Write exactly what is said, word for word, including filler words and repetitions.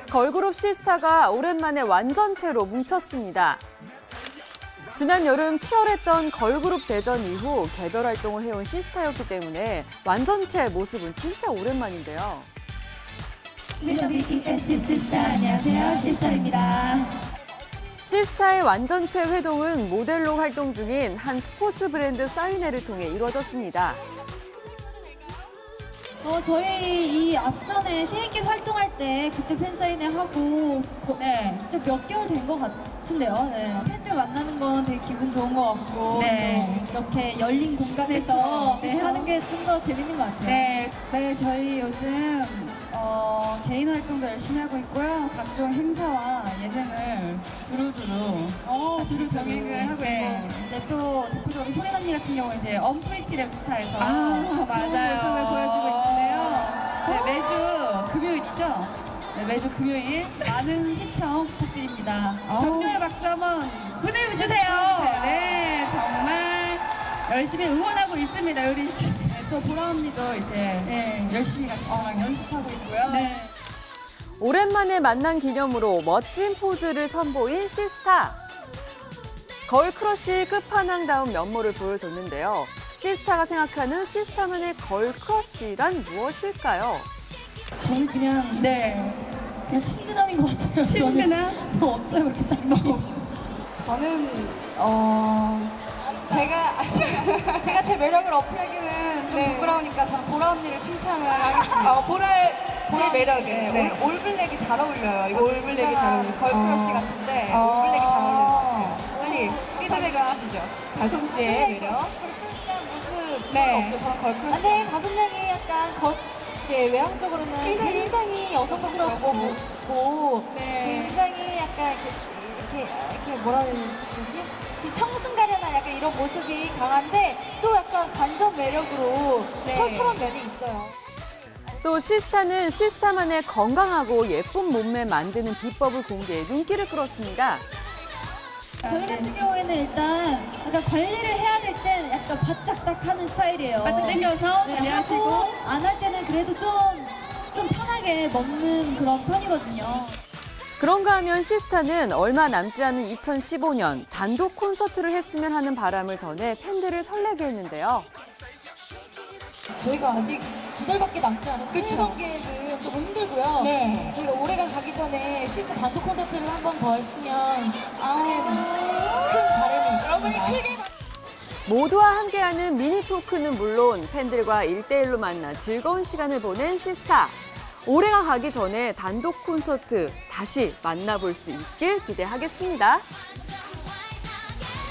걸그룹 시스타가 오랜만에 완전체로 뭉쳤습니다. 지난 여름 치열했던 걸그룹 대전 이후 개별 활동을 해온 시스타였기 때문에 완전체 모습은 진짜 오랜만인데요. 시스타, 안녕하세요. 시스타입니다. 시스타의 완전체 회동은 모델로 활동 중인 한 스포츠 브랜드 사인회를 통해 이루어졌습니다. 어, 저희 이 앞전에 시인기 활동할 때 그때 팬사인회 하고 네, 진짜 몇 개월 된 것 같은데요. 네. 팬들 만나는 건 되게 기분 좋은 것 같고 네. 또 이렇게 열린 공간에서 그쵸, 네, 그쵸. 하는 게 좀 더 재밌는 것 같아요. 네. 네, 저희 요즘 어, 개인 활동도 열심히 하고 있고요. 각종 행사와 예능을 두루두루 어, 같이 두루두루. 병행을 하고 네. 있고, 네, 또 대표적으로 효린 언니 같은 경우 이제 언프리티 랩스타에서 아, 좋은 맞아요. 모습을 보여주고 있는데요. 네, 매주 금요일 있죠? 네, 매주 금요일 많은 시청 부탁드립니다. 아우. 격려의 박수 한번 보내주세요. 보내주세요. 네, 정말 열심히 응원하고 있습니다, 요린 씨. 네, 또 보라 언니도 이제 네. 열심히 같이 저랑 연습하고 있고요. 네. 오랜만에 만난 기념으로 멋진 포즈를 선보인 시스타. 걸크러쉬 끝판왕다운 면모를 보여줬는데요. 시스타가 생각하는 시스타만의 걸크러쉬란 무엇일까요? 저는 그냥 네. 그냥 친근함인 것 같아요. 친근함? 뭐 없어요, 그렇게 딱 뭐. 저는 어 제가 제가 제 매력을 어필하기는 좀 네. 부끄러우니까 저는 보라 언니를 칭찬을 하겠습니다. 어, 보라, 보라 매력은. 네, 네. 올, 올블랙이 잘 어울려요. 이거 올블랙이 잘 어울려요. 걸크러쉬 어. 같은데 어. 올블랙이 잘 어울리는 것 같아요. 빨리 피드백을 감사합니다. 주시죠. 다솜 씨의 매력. 걸크러쉬한 모습 네. 없죠. 저는 걸크러쉬. 근데 다섯 명이 약간 겉 이제 외향적으로는 굉장히 굉장히 여성스럽고 고 네. 굉장히 약간 이렇게 이렇게, 이렇게 뭐라 해야 되지? 그 청순가련한 약간 이런 모습이 강한데 또 약간 반전 매력으로 네. 털털한 면이 있어요. 또 시스타는 시스타만의 건강하고 예쁜 몸매 만드는 비법을 공개해 눈길을 끌었습니다. 저희 같은 경우에는 일단 약간 관리를 해야 될 땐 약간 바짝 딱 하는 스타일이에요. 바짝 당겨서 네, 관리하시고. 안 할 때는 그래도 좀, 좀 편하게 먹는 그런 편이거든요. 그런가 하면 시스타는 얼마 남지 않은 이천십오 년 단독 콘서트를 했으면 하는 바람을 전해 팬들을 설레게 했는데요. 저희가 아직 두 달밖에 남지 않은 그쵸. 수능 계획은 조금 힘들고요. 네. 저희가 올해가 가기 전에 시스 단독 콘서트를 한 번 더 했으면 하는 큰 바람이 있습니다. 여러분이 크게 모두와 함께하는 미니 토크는 물론 팬들과 일대일로 만나 즐거운 시간을 보낸 시스타. 올해가 가기 전에 단독 콘서트 다시 만나볼 수 있길 기대하겠습니다.